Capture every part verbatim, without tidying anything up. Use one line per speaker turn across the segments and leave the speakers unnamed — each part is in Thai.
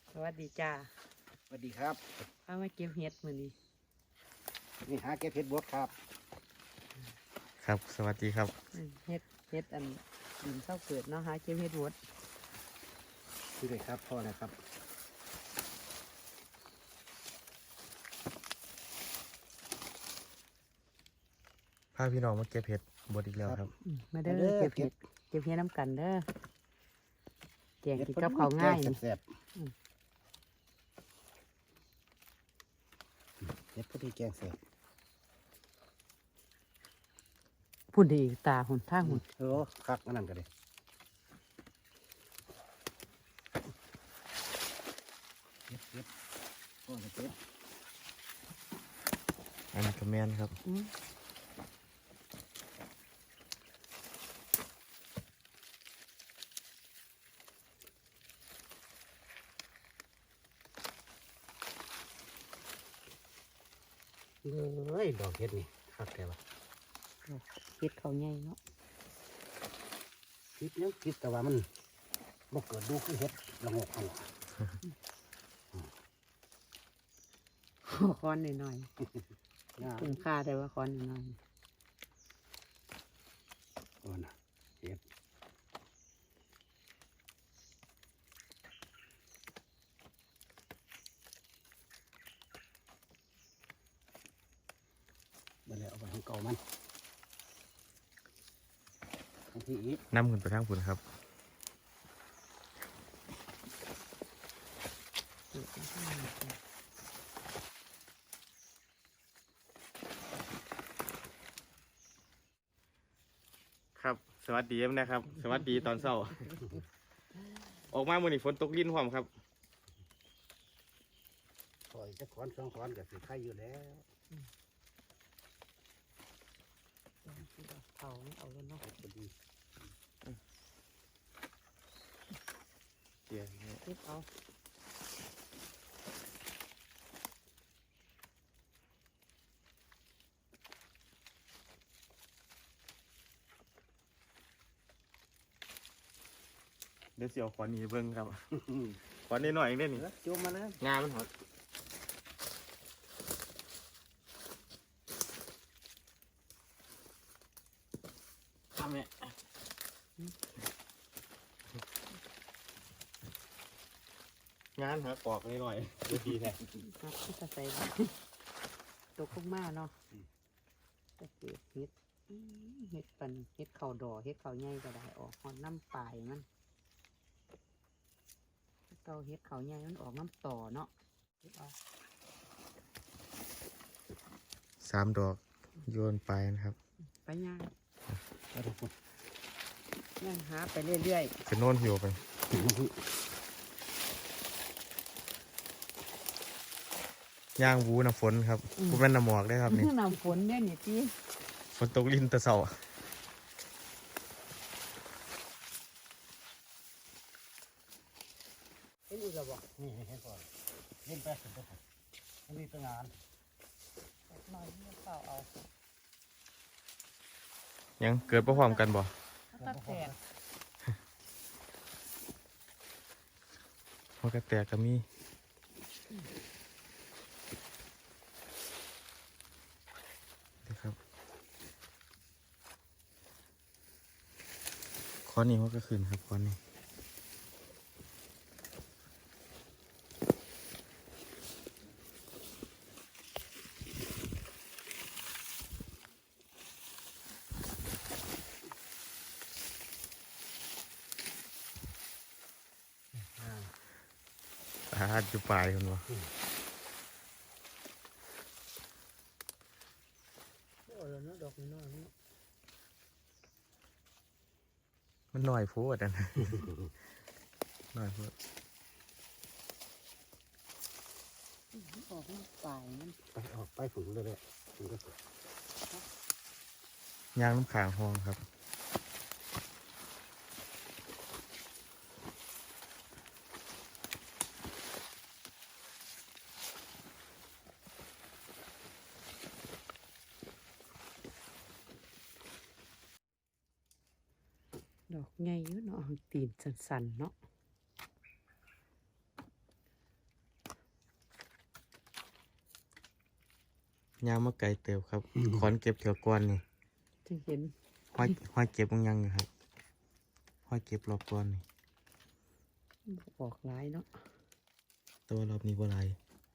สวัสดีจ้า
สวัสดีครับ
พามาเก็บเห็ดมื้อนี้
นี่หาเก็บเห็ดบดครับ
ครับสวัสดีครับ
อืมเห็ดเห็ดอันดินเศร้าเกิดเนาะหาเก็บเห็ดหมด
คือเลยครับพ่อนะครับ
พาพี่น้องมาเก็บเห็ดบดอีกแล้วครับ
อืมมาเด้อเก็บเห็ดเก็บเห็ดน้ำกันเด้อแกงกินกับข้าวง่ายนี่
แซ่บ
อืม
ๆเห็ดพอดีแกงแซ่บ
พุ่นดีตาหุ่นท่าหุ่น
โอ้คักอันนั้นก็ได้เก็บเก็บพ่อจะเก็บ
อันนี้ก็แม่นครับ
อืม
เอ้ยดอกเห็ดนี่คักแกวะ
เห็ดเขาวใหญ่เนาะ
คิดยังคิดแต่ว่ามันบ่เกิดดูคือเห็ดละงกหัว
คอนหน่อย
งา
ๆคุ้มค่าแต่ว่าคอนหน่อย
โอ้นะเห็ดมาแล้วเอาไปให้เก่ามันบางทีอีก
น้ำขึ้นไปทางฝุ่นครับครับสวัสดีนะครับ สวัสดีตอนเช้า ออกมาเมื่อนี้ฝนตกลิ้นหอมครับ
ถอยจะขอนสองขอนกับสีไข่อยู่แล้ว
เขาไม่เอาแล้วเนาะ
พอดี
เดี๋ยว
เก็บเอา
เดี๋ยวเสียวขวานนี้เบิ้งครับ ขวานนี้หน่อยเองเด้นี่
แล้วจุ่มมานะ
งามันหดทำเนี่ยงานหาปอกนิดหน่อยดูดีแท้
ครับที่จะใส่ตกลงมาเนาะจะเก็บเห็ดอืมเห็ดปันเห็ดเข่าดอเห็ดเข่าใหญ่ก็ได้ออกหอนน้ำปลายมันเก่าเห็ดเข่าใหญ่มันออกน้ำต่อเนาะเก็บเอา
สามดอกโยนไปนะครับ
ไปย่าง
แล้วทุกคน
ย่างหาไปเรื่อย
จะโน่นหิวไปย่างวูน้ำฝนครับกูเป็นน้ำหมอกได้ครับนี่
ๆน้ำฝนเนี่ยนี่ที่
ฝนตกลิ้นแตะเสา
เห็นอีกแล้วบอกนี่ให้ก่อนเล่นแป๊บเสร็จแล้วครับอันนี้ตั้งงาน
หน่อยมันเปล่าเอา
ยังเกิดประความกันบ่
ถ้าแตก
มันก็แตกก็มีนะครับข้อนี้มันก็ขึ้นครับข้อนี้อาจจะปลายคนวะ
โอ้แล้วเนาะดอกน้อยๆเนาะ
มันหน่อยโพดอัน หน่อยโพด
ออกน้ำปลายมัน
ไปออกไปฝึกเลยเลยฝึกก็ฝึก
ย่างน้ำขางห้องครับ
ดอกใหญ่อยู่เนาะตีนสันๆเนาะ
ยามมาไกลเติบครับขอนเก็บเกี่ยวก้อนนี่
ที่เห็น
ห้อยห้อยเก็บบางอยังอยู่ครับห้อยเก็บรอบก้อนนี่
ออกหลายเนาะ
แต่ว่ารอบนี้บ่หลาย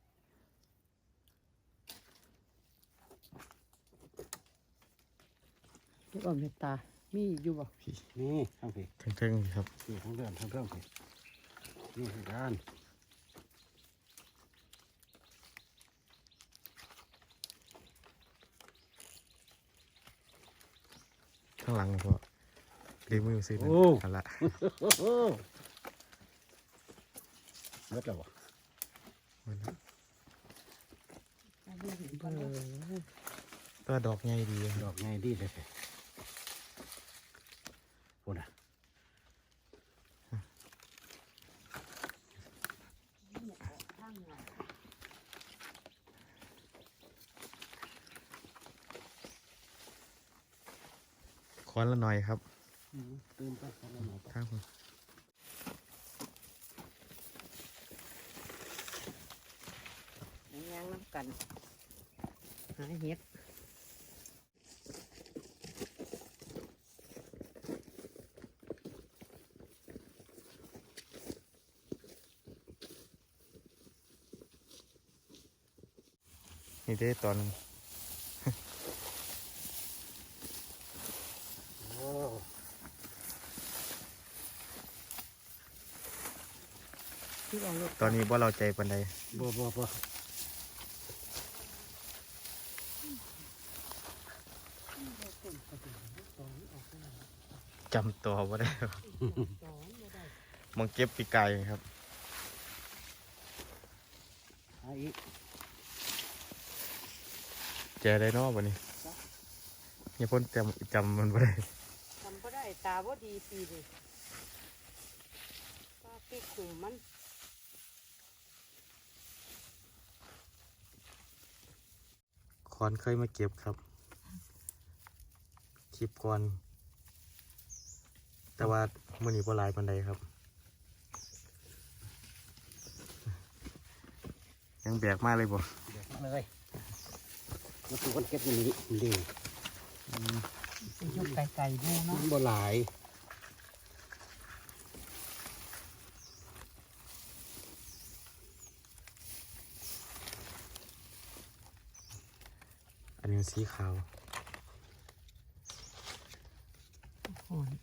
ลูกอมเมตตามีอยู่บ่
พี่
นี่ทางเพ
เทิงๆนี่ครับ
นี่ทางเดินทางเรื่องเพนี่ทางด้าน
ข้างหลังก็รีมือซื้อนั่นกันละ
โอ้โหเบิดแล้วบ่
มาแล้ว
เออ
ตัวดอกใหญ่ดีค
ด
รั
อบ กไงดีเลยพูดนะ
คอนละหน่อยครับ
ตื่นไปทำอะไรหน่อย
ข้างผม
ย่างน้ำกันหาเห็ด
นี่ได้ตอนหนึ่ง
โอ้
ที่เอาลูก
ตอนนี้ว่าเราใจปันใด
บ่บ่บ่
จำตัวว่าได้ครับ
สอนบ่ได้
มองเก็บปีกไก่ครับ
หาอีก
แจได้เนอกวันนี้เนี่ยพ้นจำจำมันบ่ได้
ทำบ่ได้ตาบ่ดีปีนี่ป้าปิกขุมมัน
คอนเคยมาเก็บครับคลิปก่อนแต่ว่ามื่อนี้บ่หลายปันใดครับ ยังแบกมาเลยบ่
เดี๋ยวมาเลยมาสู่คนเก็บอย่างนี้ดี
ยกไก่ๆดูเนาะ
บ่หลาย
อันนี้สีขาว
อ่อน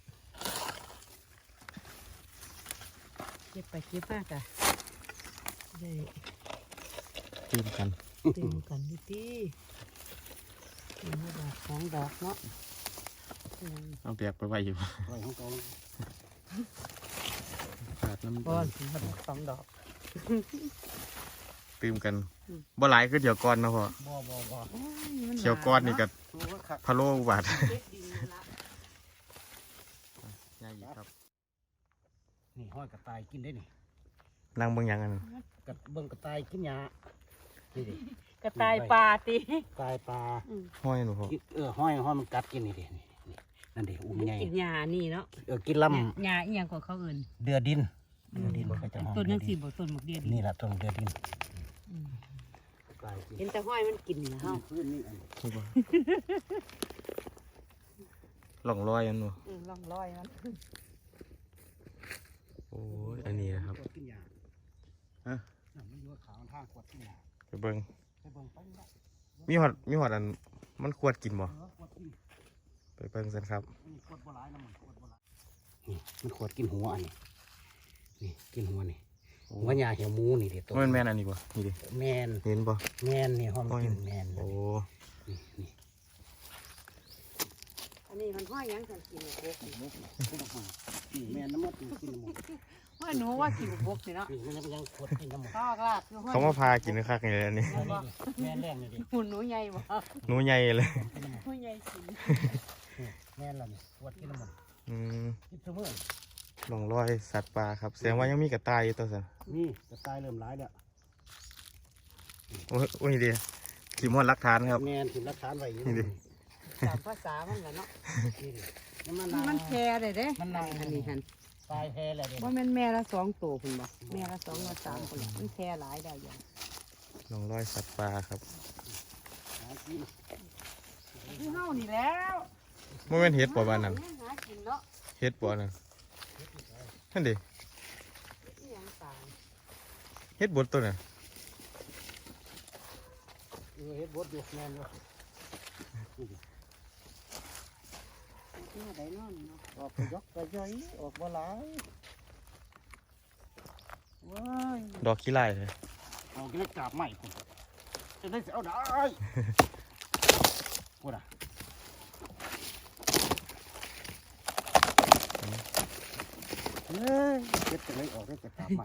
เก็บไปเก็บมากอะได้
ตื้มกัน
เต็มกันนิดดีมีดอกสองดอกเนาะอืม
เอาแบกไปไว้อยู่
ไว้ของเขา
ขาดน้ำ
ก้อนมาดอกสองดอก
ตื้มกันบ่หลายคือเดี๋ยวก่อนเนาะพ่อ
บ่บ่บ่
โอ้ยมัน
เขียวก้อนนี่ก็
โอ้ว่าคัก
พะโล้อุบาท
เด็ดดินละ
ง่ายอีกครับ
นี่ห้อยกระต่ายกินได้นี่
นั่งเบิ่งหยังอันนั้น
กระเบิ่งกระต่ายกินหญ้านี่ดิ
กระต่ายปลาตี
ตายปลา
ห้อยหนูพ่อ
กินเออห้อยห้อยมันกัดกินนี่ดินี่นี่นั่นดิอุ้ม
มัน
ใหญ่
กินหญ้านี่เนาะ
เออกินล
หญ้าอีหยังกว่าเขาเอื่น
ำเดือดินเดือดินเขาจะห้อง
ต้น
เดื
ยั
อง ดิ
สี่
น
บ่ต้นหมกเดียด
นี่แหละต้นเดือดิน
อืม
กลายกิน
เห็นแต่ห้อยมันกินนะเฮา
พื้นนี่อันนี้
นี่บ่หล่องลอยอันหนู
อืมล่องลอยมัน
โอ้ยอันนี้นะครับ
ขวดกินหญ้า
ฮะ
นั่นมันอยู่ขาวทางขวดกินหญ้า
ไปเบิ่ง
ไปเบิ่งไปนี่ละ
มีหอดมีหอดอันมันควรกินบ่
เออขวดกิน
ไปเบิ่งกันครับ
นี่ขวดโบราณนะมันขวดโบราณนี่มันขวดกินหัวอันนี้นี่กินหัวนี่หัวหญ้าเหี่ยวหมูนี่เด็ดตัว
มันแม่นอันนี้บ่นี่ดิ
แมน
เห็นบ่
แมนนี่ห้องกินแมน
โอ้
นี่นี่
อันนี้มันห้อยหยังกันกินบก
กินออกมานี่แมนน้ำมันกินกินน้ำมัน
ห้อยหนูว่ากินบกนี่เนาะ
นี่มันยังขวดกินน้ำมัน
ข้าวกลาดคือห้อย
เขามาพากินคักนี่เลยอันนี้
แมนแรงเลยดิ
หุ่นหนูใหญ่บ่
หนูใหญ่เลย
หนูใหญ่กิน
แม่นแล้วนี่ขวดกินน้ำมัน
อืม
กินเสมอ
หล่องลอยสัตว์ป่าครับแสดงว่ายังมีกระต่ายอยู่ตัวสัน
นี่กระต่ายเริ่มร้ายแล้ว
โอ้ยโอ้ยดีขีมอนรักฐานครับ
แม่นกินรักษาไว้อยู่
นี่ดิ
ตามภาษามันแหละเนาะ
นี่ดิน้ำมัน
มันแพร่เลยเด้
มันนั่ง
อันนี้หัน
ตายแพ้แล้วเด็
ว่าแม่นแม่ละสองตัวคุณบ่แม่ละสองละสามคนน่ะมันแพร่หลายได้อย่าง
หล่องลอยสัตว์ป่าครับ
หากิน
คือเฮานี่แล้ว
มันเป็นเห็ดปะบ้านนั้น
หากินเนาะ
เห็ดปะนั่นนั่นดิ
อีหยังตาย
เห็ดบดตัวน่ะ
เออเฮ็ดบดอยู่แม่นอยู่
ที่ไหนนอนเนาะ
ออกไปยกไปย่อยออกบ่หลายว้าย
ดอกขี้ไล่เลย
เอาเล็กกาบใหม่คุณจะได้เสียเอาได้กูน่ะเฮ้ยเก็บจะได้ออกได้แต่กาบใหม่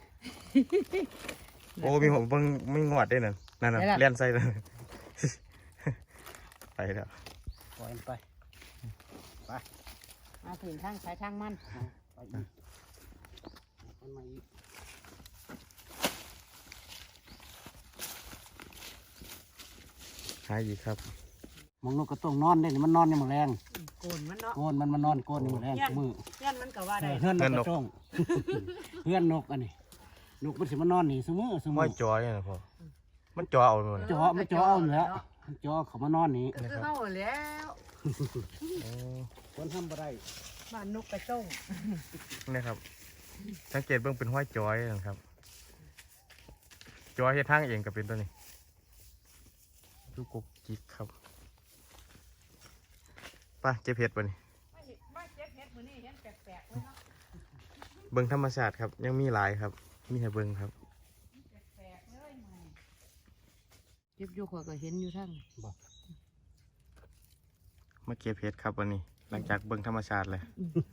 โอ้มีผมเบิ่งไม่งอดได้นั่นนั่นน่ะเลี้ยนใส่เลย ไปแล้ว
ปล่อยมันไป
มาถึงทางสายทางมัน
ไปอีกมันมาอีก
หายอีกครับ
มองนกก็ต้องนอนได้นี่มันนอนในมือแรง
โกนมันเนาะ
โกนมันมานอนโกนในมือแรงมือ
เพื่อนมันก็ว่าได้
เพื่อนนกกระจ้องเพื่อนนกอันนี้นกมันสิมานอนนี่สมือสมื
ห้อ
อย
จอยนะพ่อมันจอเอาเลย
จ่อมันจ่อเอาแล้วมันจ่อเขามานอนนี่
ก็คือเฮาแล้ว
คนทำอะไร
บ้านนกกระจ้ง
นี่ครับสังเกตเบิ่งเป็นห้อยจอยนะครับจอยเฮ็ดทางเองก็เป็นตัวนี้ลูกกกจิกครับไป้าเจ็บเห็ดบ่นี่
มาเจ็บเฮ็ดมื้อนี้เห็นแปลกๆเลยเนาะ
เบิ่งธรรมชาติครับยังมีหลายครับมีให้เบิ่งครับ
แปลกๆเลยมื้อนี้เจ็บอยู่ข้อยก็เห็นอยู่ทั้ง
มาเก็บเห็ดครับวันนี้ หลังจากเบิ่งธรรมชาติเลย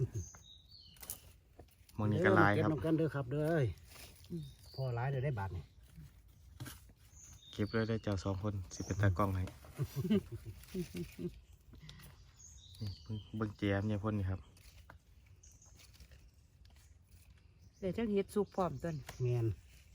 หมองนี้ก็หลายครับ
เก็บน้ำกันเด้อครับเด้อพอหลายเด้อได้บาทนี่
เก็บเลยได้เจ้าสองคนสิเป็นตากล้องให้นี่เบิ่งเบิ่งแจมเนี่ยพ่นนี่ครับ
เดี๋ยวจังเฮ็ดสุกพร้อมต้น
แมน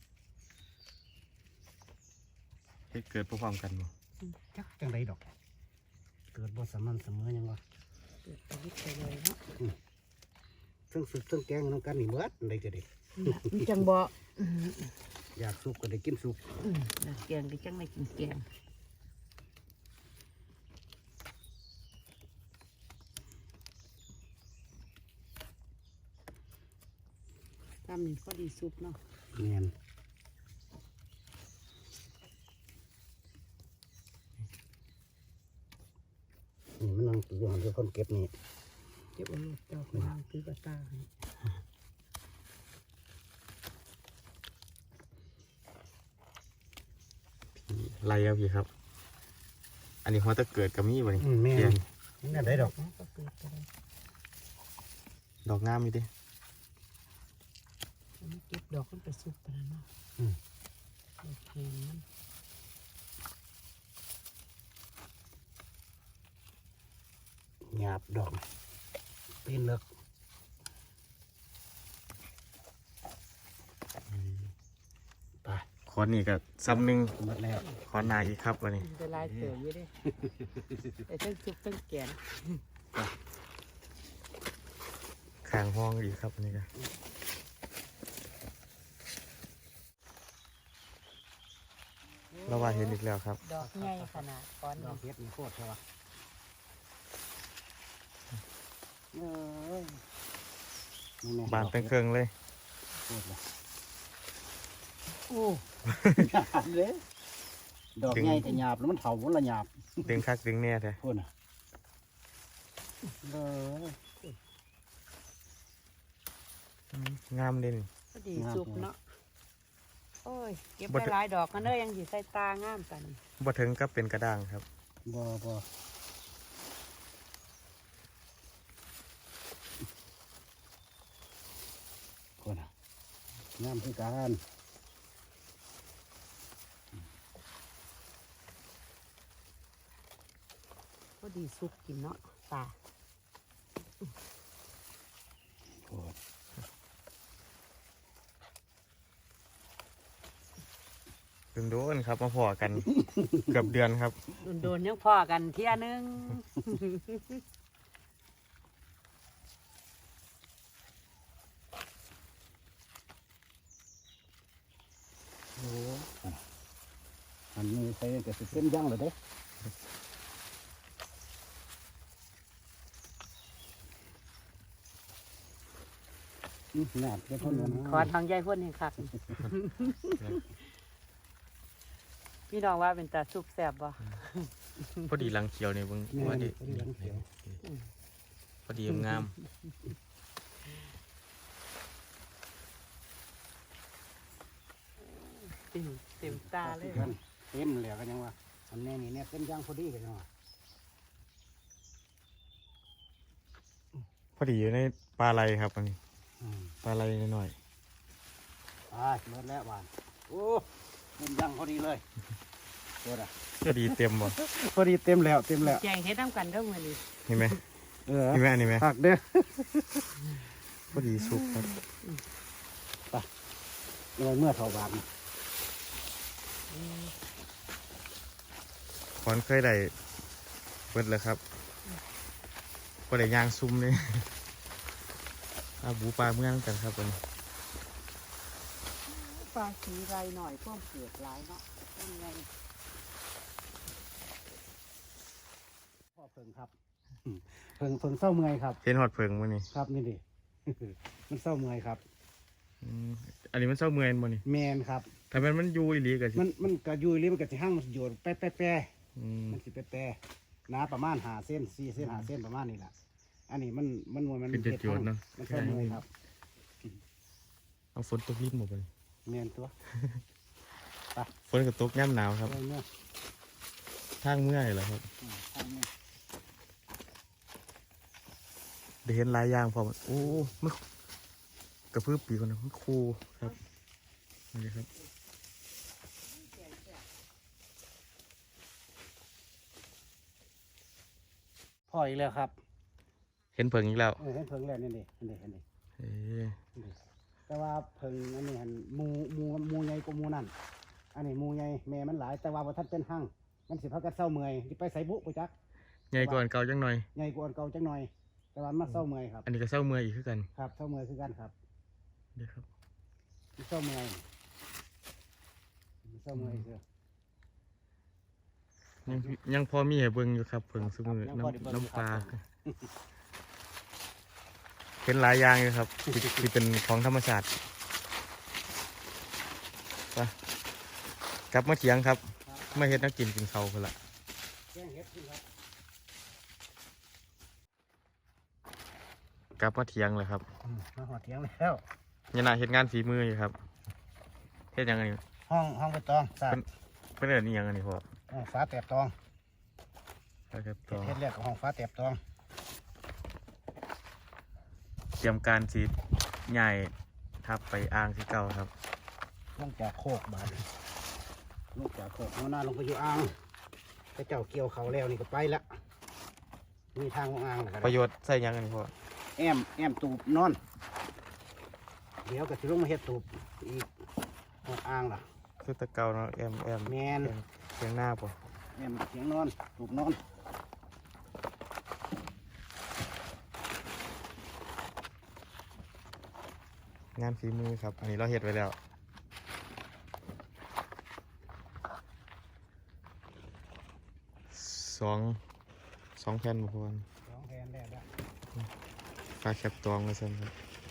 เฮ็ดเกิดพร้อมๆกันบ่
จักจังไดดอก เกิดบ่สม่ำเสมอยังวะ
เกิดไปวิทย์ไปเลยเนาะ
เทั้งสุกเทั้งแกงน้ำกันนี่เบิดได้จะได้
มันจังบ่
อยากสุกก็ได้กินสุก
อืมแล้วแกงก็จังได้กินแกงทำนี่พอดีซุปเนาะ
แมนนี่มันนั่งอยู่หันคือคนเก็บนี่
เก็บเอาลูกเจ้าของนางคือกระตาให้
ไรครับพี่ครับ อันนี้หัวตะเกิดกับมีบ่นี่
อืมแม่
เกีย
น
ง
มันน่าได้ดอก
เนาะก็เกิดไปเลย
ดอกงามอยู่ดิ
อันนี้เก็บดอกมันไปซุปไปแล้วเนาะ
อืม
โอเคมัน
หยาบดอกตีนเลิกไป
ขอนี่ก็ซ้ำหนึ่ง
หมดแล้ว
ขอหนาอีกครับวันนี้
จะลายเต๋ออยู่เดิแต่ทั้งซุปทั้งแกง
ข้างห้องอีกครับอันนี้ก็เราว่าเห็นอีกแล้วครับ
ดอกใหญ่ขนาดก้อน
ดอ
นี้
กเฮ็ดนี่โคตรใช่ปะเออนี่แม่
บานเป็นเครื่องเลย
โคตรเลยโอ้หยาบเลยดอกใหญ่แต่หยาบแล้วมันเถามันละหยาบ
ดึงคักดึงแน่แท้
พูดน่ะเออ
งามเด่น
พอดีซุปเนาะโอ้ยเก็บไปหลายดอกกันเด้อยังสิใส่ตางามกัน
บ่ถึงก็เป็นกระด้างครับ
บ่บ่พูดน่ะงามคือการ
พอดีซุปกินเนาะตา
พูด
ถึงโดนครับมาพอกัน เกือบเดือนครับ
โดนๆยังพอกันเที่ยนึง
โอ้อันนี้ใส่ก็สิเป็นย่างเลยเด้อืมหนาดเดี๋ยวพ่น
ขอทางยายพ่นเองครับ พี่น้องว่าเป็นตาซุปแซ่บบ่
พอดีหลังเขียวนี่เบิ่ง
แม่
ว่าดี
พอดีหลังเขียว
พอดีงาม
เต็มเต็มตาเลย
เต็มแล้วกันยังว่าอันนี้นี่เนี่ยเต็มย่างพอดีกันยังว่า
พอดีอยู่ในปลาไหลครับอันนี้
อืม
ปลาไหลหน่อย
อ่าหมดแล้วหวานโอ้เต็มย่างพอดีเลยตัวน่ะ
ๆพอดีเต็มบ่
พอดีเต็มแล้วเต็มแล้ว
แจงเฮ็ดน้ำกันเด้อมื้อนี้
เห็นไหม
เออ
เห็นไหมอันนี้ไหม
ผักเด้อ
พอดีสุกครับ
เมื่อเมื่อเท่าบาท
ขอนเคยได้เบิดแล้วครับก็ได้ย่างซุ่มเลย อาบูปลาเมื่อนกันครับวันนี้
ปลาสีไรหน่อยพวกเผือกหลายเนาะเป็นไง
พ่อเพิงครับอืมเพิงเพิงเศร้าเมื่อยครับ
เห็นหอดเพิงวันนี้
ครับนี่ดิ มันเศร้าเมื่อยครับ
อืมอันนี้มันเศร้าเมื่อยบ่นี่
แมนครับ
ถ้ามันมันอยู่อีหลีก็สิ
มันมันกระยุยหรือมันกระสิห้างมันสิโยนแป๊ะแป๊ะแป๊ะ
อืม
มันสิแป๊ะแป๊ะหนาประมาณหาเส้นสี่เส้นหาเส้นประมาณนี้แหละอันนี้มันมันมวยมัน
เป็นเจ็ดโยนเนาะ
มันเศร้าเมื่อยครับ
เอาฝนตกริบหมดเลย
แมนตัว
ฝนก็ตกย่ำหนาวครับ
เมื่อยเมื่อย
ทางเมื่อยเหรอครับ
อืมทางนี้
ได้เห็นหลายอย่างพอมันโอ้มันกระพือปีกคนนะมันคูครับนี่ครับ
พ่ออีกแล้วครับ
เห็นเพิงอีกแล้ว
เออเห็นเพิงแล้วนี่ดินี่ดินี่ดิ
เอ๊ะ
นี่ดิแต่ว่าเพิงอันนี้หันหมูหมูหมูใหญ่กว่าหมูนั่นอันนี้หมูใหญ่แม่มันหลายแต่ว่าบ่ทันเป็นหั่งมันสิพักกันเศร้าเมื่อยสิไปใส่บุไปจัก
ใหญ่กว่าอันเก่าจังหน่อย
ใหญ่กว่าอันเก่าจังหน่อย แต่ว่ามันเศร้าเมื่อยครับ
อันนี้ก็เศร้าเมื่อยอีกคือกัน
ครับเศร้าเมื่อยคือกันครับ
เดี๋ยวครับ
มันเศร้าเมื่อยมันเศร้าเมื่อยคือ
ยังยังพอมีให้เบิ่งอยู่ครับเพิงซุมือ
ยังพอได้เบิ่งอยู่
น้ำน้ำปลา
ครับ
เป็นหลายอย่างอยู่ครับที่ที่เป็นของธรรมชาติไปกลับมาเถียงครับมาเฮ็ดนักกินกินเขาวคนละ
แกงเห็ดขึ้นครับ
กลับมาเถียงเลยครับ
อืมมาหอดเถียงแล้ว
ยันน่าเฮ็ดงานฝีมืออยู่ครับเฮ็ดหยังไง
ห้องห้องใบตองสาด
เพื่อนเอิ้นนี่ยังอันนี้พ่อ
ห้องฟ้าแตบตอง
ครับ
เฮ็
ต่อ
ดเฮ็ดแรกกับห้องฟ้าแตบตอง
เตรียมการสีใหญ่ทับไปอ่างที่เก่าครับ
ลงจากโคกบาดนี้ลงจากโคกหัวหน้าลงไปอยู่อ่างพระเจ้าเกี่ยวเขาแล้วนี่ก็ไปละมีทางของอ่างแล้วก็
ประโยชน์ใส่หยังอันนี้พ่อ
แอมแอมตูบนอน เดี๋ยวก็สิลงมาเฮ็ดตูบอีกหอดอ่างล่ะ
คือแตะเก่าเนาะแอมแอม
แมน
แอมเสียงหน้าป่ะ
แอมเสียงนอนตูบนอน
งานฝีมือครับ อันนี้เราเฮ็ดไว้แล้วสองสองแผ่นบุคคล
สองแทนได้แล้ว
ปลาแคปตองเลยครับ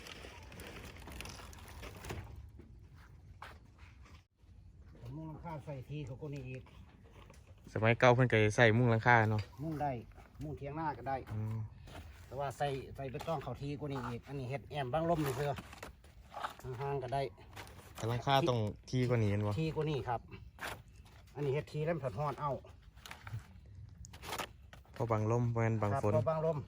ผมมุ่งหลังคาใส่ทีเขาก็นี่อีก
สมัยเก่าเพิ่นก็ใส่มุ้งหลังคาเนาะ
มุ่งได้มุ่งเทียงหน้าก็ได้
อืม
แต่ว่าใส่ใส่ไปต้องเขาทีก็นี่อีก อันนี้เฮ็ดแอมบางลมนี่เพื่อห่างๆก็ได้
แต่หลังคาต้องที่กว่านี้เห็นบ่
ทีก็นี่ครับ อันนี้เฮ็ดทีแล้วมันผัดฮอนเอา
เพราะบางลมเพราะงั้นบาง
ครับ
ฝน
เพราะบางลม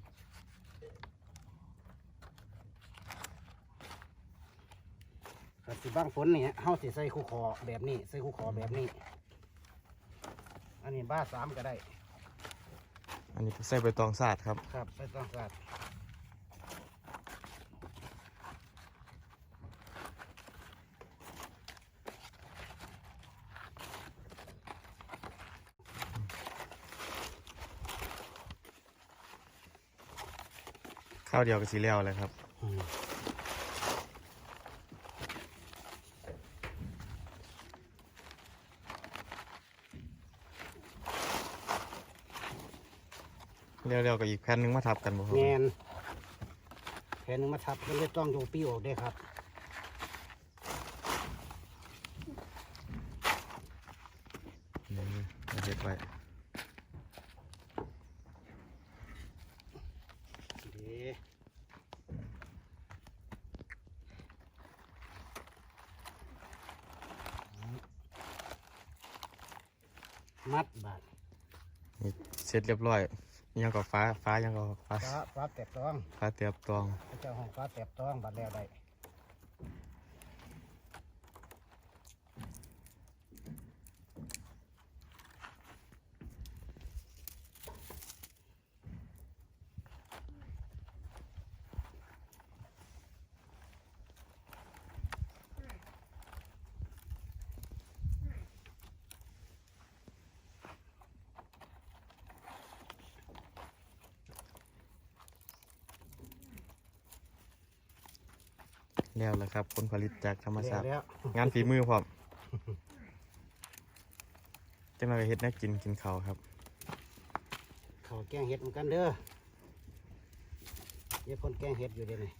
ก็สิบางฝนนี่เฮาสิใส่คู่คอแบบนี้ใส่คู่คอแบบนี้ อันนี้บ้าสามก็ได้
อันนี้ใส่ใบตองสาดครับ
ครับใส่ต้องสัตว์
ข้าวเดียวกับสีแล้วเลยครับ
อืม
เร็วๆกับอีกแผ่นหนึงมาทับกันบ่ครับ
แมนแผ่นหนึงมาทับมันเลยต้องโยปีออกได้ครับ
นี่เอาเฮ็ดไว้
ดีมัดบาด
นี่เสร็จเรียบร้อยยังก็ฟ้าฟ้ายังก็ฟ้า
ฟ้าฟ้าแตบต้อง
ฟ้าเตียบตอง
พระเจ้าห้องฟ้าแตบต้องบาดแล้วได้
แล้วแหละครับผลผลิตจากธรรม
แล้ว
ชาติ
แล้ว
งานฝีมือพร้อมจังเราเฮ็ดแน่กินกินข้าวครับ
เขาแกงเห็ดเหมือนกันเด้อเดี๋ยวคนแกงเห็ดอยู่เดี๋ยวนี้